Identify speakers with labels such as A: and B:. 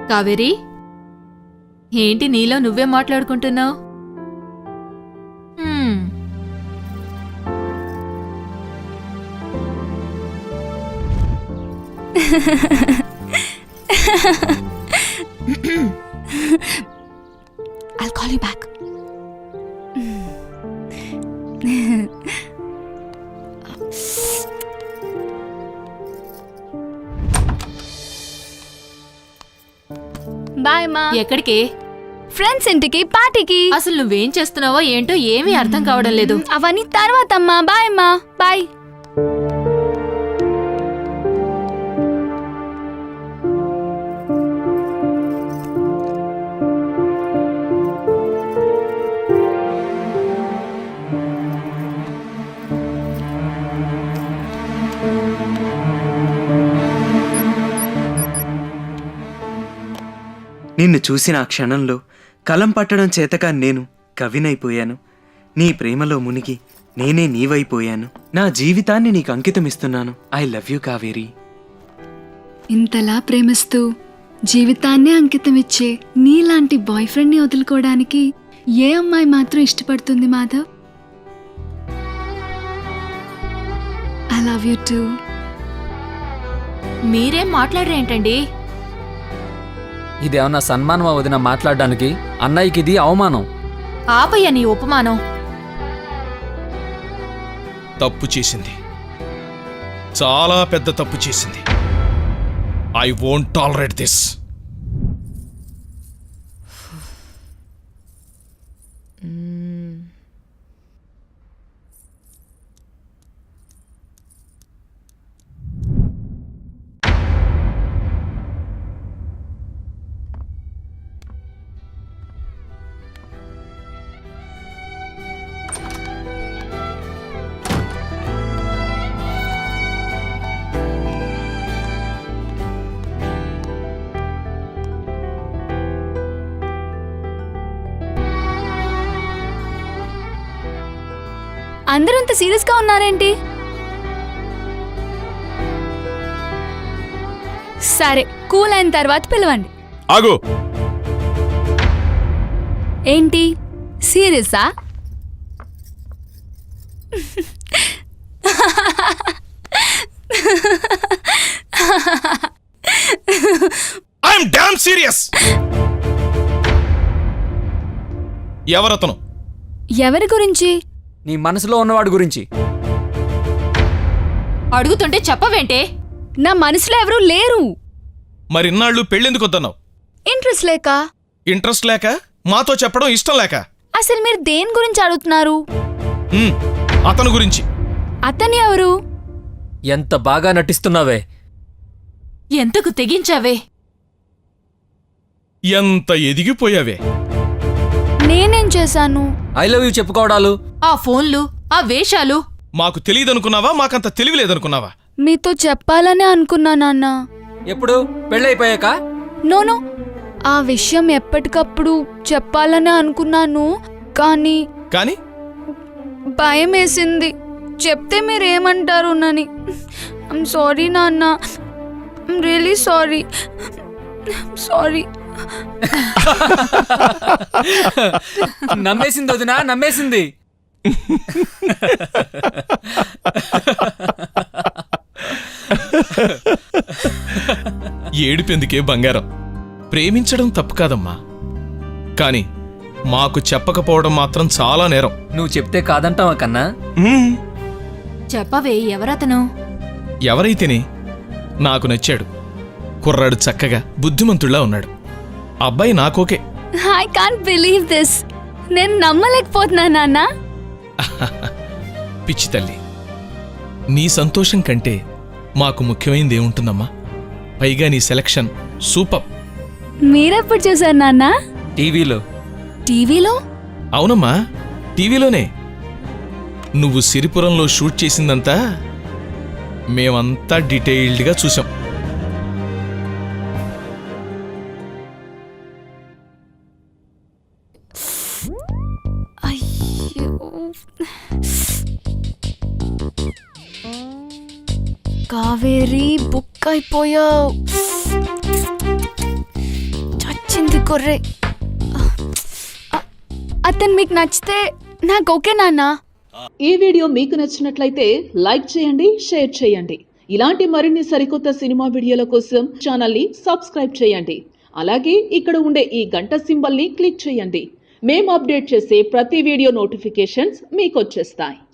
A: కావేరి, ఏంటి నీలో నువ్వే మాట్లాడుకుంటున్నావు?
B: I'll call you back. Bye మా.
A: ఎక్కడికి?
B: ఫ్రెండ్స్ ఇంటికి, పార్టీకి.
A: అసలు నువ్వేం చేస్తున్నావో ఏంటో ఏమీ అర్థం కావడం లేదు.
B: అవన్నీ తర్వాత అమ్మా. బాయ్ అమ్మా. బాయ్.
C: నిన్ను చూసిన ఆ క్షణంలో కలం పట్టడం చేతగా నేను కవినైపోయాను. నీ ప్రేమలో మునిగి నేనే నీవైపోయాను. నా జీవితాన్ని నీకు అంకితమిస్తున్నాను. I love you Kaveri.
B: ఇంతలా ప్రేమిస్తూ జీవితాన్నే అంకితమిచ్చే నీలాంటి బాయ్ ఫ్రెండ్ని వదులుకోవడానికి ఏ అమ్మాయి మాత్రం ఇష్టపడుతుంది Madhav? I love you too.
A: మీరేం మాట్లాడరేంటండి?
D: ఇదేమన్నా సన్మానమా వదిన మాట్లాడడానికి? అన్నయ్యకి ఇది అవమానం.
A: ఆపయ్య నీ ఉపమానం.
E: తప్పు చేసింది, చాలా పెద్ద తప్పు చేసింది. I won't tolerate this.
B: అందరూ అంత సీరియస్ గా ఉన్నారేంటి? సరే, కూల్ అయిన తర్వాత పిలవండి.
E: ఆగు.
B: ఏంటి సీరియసా?
E: I'm damn serious. ఎవరతను?
B: ఎవరి గురించి?
D: నీ మనసులో ఉన్నవాడి గురించి.
A: అడుగుతుంటే చెప్పవేంటే?
B: నా మనసులో ఎవరూ లేరు.
E: మరి ఇన్నాళ్ళు పెళ్ళెందుకు వద్దన్నావు?
B: ఇంట్రెస్ట్ లేక.
E: ఇంట్రెస్ట్ లేక? మాతో చెప్పడం ఇష్టం లేక?
B: అసలు మీరు దేని గురించి అడుగుతున్నారు?
E: అతను గురించి.
B: అతను ఎవరు?
D: ఎంత బాగా నటిస్తున్నావే.
A: ఎంతకు తెగించావే.
E: ఎంత ఎదిగిపోయావే.
B: నేనేం చేశాను?
D: ఐ లవ్ యూ చెప్పుకోవడాలు,
A: ఆ ఫోన్లు, ఆ వేషాలు.
E: మాకు తెలియదనుకున్నావా? మాకంత తెలివిలేదనుకున్నావా?
B: మీతో చెప్పాలనే అనుకున్నా నాన్న.
D: ఎప్పుడు? పెళ్ళైపోయాక?
B: నోను, ఆ విషయం ఎప్పటికప్పుడు చెప్పాలనే అనుకున్నాను. కానీ
E: కానీ
B: భయం వేసింది. చెప్తే మీరేమంటారోనని. ఐమ్ సారీ నాన్న. I'm really sorry. సారీ.
D: నమ్మేసింది వదినా, నమ్మేసింది.
E: ఏడిపెందుకే బంగారం. ప్రేమించడం తప్పు కాదమ్మా, కాని మాకు చెప్పకపోవడం మాత్రం చాలా నేరం.
D: నువ్వు చెప్తే కాదంటావా కన్నా?
A: చెప్పవే, ఎవరతను?
E: ఎవరైతేనే నాకు నచ్చాడు. కుర్రాడు చక్కగా బుద్ధిమంతుళ్లా ఉన్నాడు. అబ్బాయి నాకోకే.
B: I can't believe this. నేను నమ్మలేకపోతున్నా నాన్న.
E: పిచ్చి తల్లి, నీ సంతోషం కంటే మాకు ముఖ్యమైనది ఏముంటుందమ్మా? పైగా నీ సెలక్షన్ సూపర్.
B: మీరెప్పుడు చూసారు నాన్న?
D: టీవీలో.
B: టీవీలో?
E: అవునమ్మా, టీవీలోనే. నువ్వు సిరిపురంలో షూట్ చేసిందంతా మేమంతా డీటెయిల్డ్గా చూసాం.
B: కావేరి, బుక్ అయిపోయావు. కొర్రే అతను మీకు నచ్చితే నాకు ఓకే నాన్న.
F: ఈ వీడియో మీకు నచ్చినట్లయితే లైక్ చేయండి, షేర్ చేయండి. ఇలాంటి మరిన్ని సరికొత్త సినిమా వీడియోల కోసం ఛానల్ని సబ్స్క్రైబ్ చేయండి. అలాగే ఇక్కడ ఉండే ఈ గంట సింబల్ని క్లిక్ చేయండి. మేము అప్డేట్ చేసే ప్రతి వీడియో నోటిఫికేషన్స్ మీకు వచ్చేస్తాయి.